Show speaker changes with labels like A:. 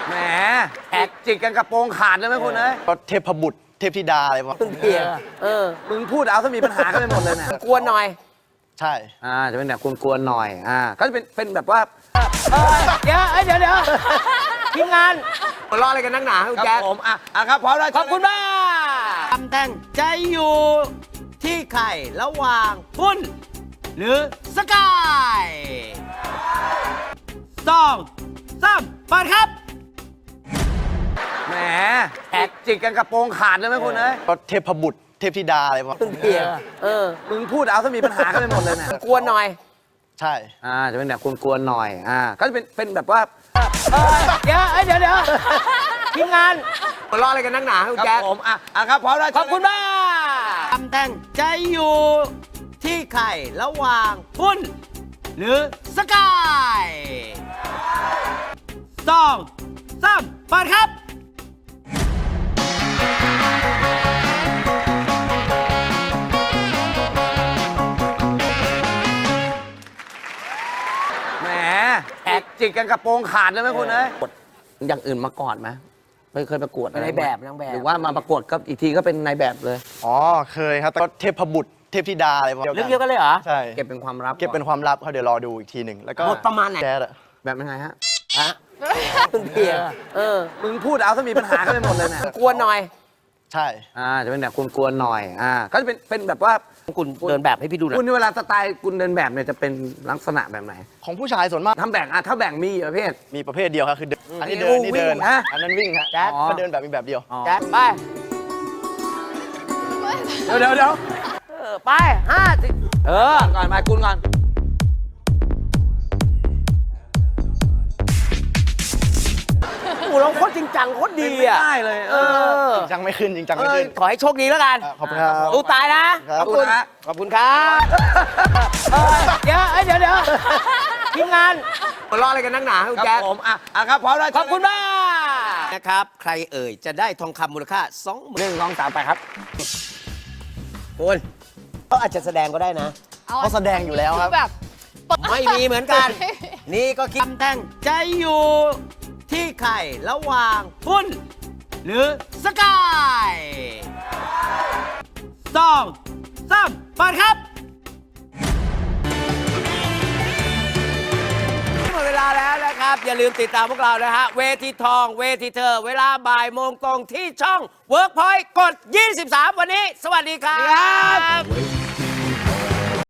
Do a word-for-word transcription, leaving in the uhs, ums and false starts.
A: แหมแอกจิกกันกระโปรงขาดเลยไหมคุณเอ้ย
B: ก็เทพบุตรเทพธิดาอะไรประมาณ
C: ตึงเพียเออ
A: มึงพูดเอาถ้ามีปัญหากันไปหมดเลยเนี่ย
C: กวนหน่อย
B: ใช่
A: อ่าจะเป็นแบบกวนๆหน่อยอ่าก็จะเป็นเป็นแบบว่า
C: เออเดี๋ยวเอ้ยเดี๋ยวเดี๋ยวทีมงาน
A: มารออะไรกันนักหนาคุณแจ๊คผมอ่ะอ่ะครับพร้อมแล้ว
C: ขอบคุณมากคำแท่งใจอยู่ที่ไข่ระหว่างหุ้น หรือสกายสองสามเปิดครับ
A: แหมแอกจิกกันกระโปรงขาดเลยไหมคุณเอ้ย
B: ก็เทพบุตรเทพธิดาอะไรประมาณ
C: ตึงเพียเออ
A: มึงพูดเอาถ้ามีปัญหากันไปหมดเลยเนี่ย
C: กวนหน่อย
B: ใช่
A: อ่าจะเป็นแบบกวนๆหน่อยอ่าก็จะเป็นเป็นแบบว่า
C: เออเดี๋ยวเอ้ยเดี๋ยวเดี๋ยวทีมงาน
A: มารออะไรกันนักหนาคุณแจ๊คผมอ่ะอ่ะครับพร้อมแล้ว
C: ขอบคุณมากคำแท่งใจอยู่ที่ไข่ระหว่างหุ้น หรือสกายสองสามเปิดครับ
A: แหมแอกจิกกันกระโปรงขาดเลยไหมคุณเอ้ยอย่างอื่นมาก่อนไหมไม่เคยประกวดอะไร
C: ในแบบนางแบบ
A: หรือว่ามาประกวดก็อีกทีก็เป็นนายแบบเลย
B: อ๋อเคยครับแต่ก็เทพบุตรเทพธิดาอะไรประมาณ
C: เรื่องเดียวกันเลยเหรอ
B: ใช่
A: เก็บเป็นความลับ
B: เก็บเป็นความลับเขาเดี๋ยวรอดูอีกทีหนึ่งแล้วก็
C: บทประมาณไหน
B: แจ๊ดอะ
A: แบบยังไงฮะ
C: ฮะตึงเพียเออ
A: มึงพูดเอาถ้ามีปัญหากันไปหมดเลยเนี่ย
C: กวนหน่อย
B: ใช่
A: อ่าจะเป็นแบบกวนๆหน่อยอ่าก็จะเป็นเป็นแบบว่า
C: คุณเดินแบบให้พี่ดูหน่อ
A: คุณ
C: ย
A: ในเวลาสไตล์คุณเดินแบบเนี่ยจะเป็นลักษณะแบบไหน
B: ของผู้ชายส่วนมาก
A: ทำแบ่งอ่ะถ้าแบ่งมีกี่ประเภท
B: มีประเภทเดียวครับคือเดินอันนี้
A: อันนี้
B: เดินนี่เดิน
A: วิ่งนะ
B: อันนั้นวิ่งฮะ
C: แจ๊ด
B: ก็เดินแบบมีแบบเดียว
C: แจ๊ดไป
A: เดี๋ยวเดี๋ยวเดี๋ยว
C: เออไปห้าสิเออ
A: ก่อนมาคุณก่อน
C: โอ้โหเราโคตรจริงจังโคตรดีอ่ะ
A: ไม่ได้เลย
C: เออ
B: จริงจังไม่ขึ้นจริงจังไม่ขึ้น
C: ขอให้โชคดีแล้วกัน
B: อ่ะขอบคุณครับ
C: ตู้ตายนะครับ ขอบคุณ
A: ขอบคุณนะ
C: ขอบคุณครับเออเดี๋ยวเอ้ยเดี๋ยวเดี๋ยวทีมงาน
A: มารออะไรกันนักหนาคุณแจ๊คผมอ่ะอ่ะครับพร้อมแล้ว
C: ขอบคุณมากนะครับ ใครเอ่ยจะได้ทองคำมูลค่าสองหมื่น
A: หนึ่งสองสามไปครับ
C: คุณเขาอาจจะแสดงก็ได้นะ
B: เขาแสดงอยู่แล้วครับ
D: แบบ
C: ไม่มีเหมือนกัน นี่ก็คิดแท่งใจอยู่ที่ไข่ระหว่างหุ้น หรือสกายสองสามเปิดครับหมดเวลาแล้วนะครับ อย่าลืมติดตามพวกเรานะฮะ เวทีทอง เวทีเธอ เวลาบ่ายโมงตรงที่ช่อง Workpoint กด ยี่สิบสาม วันนี้ สวัสดีครับ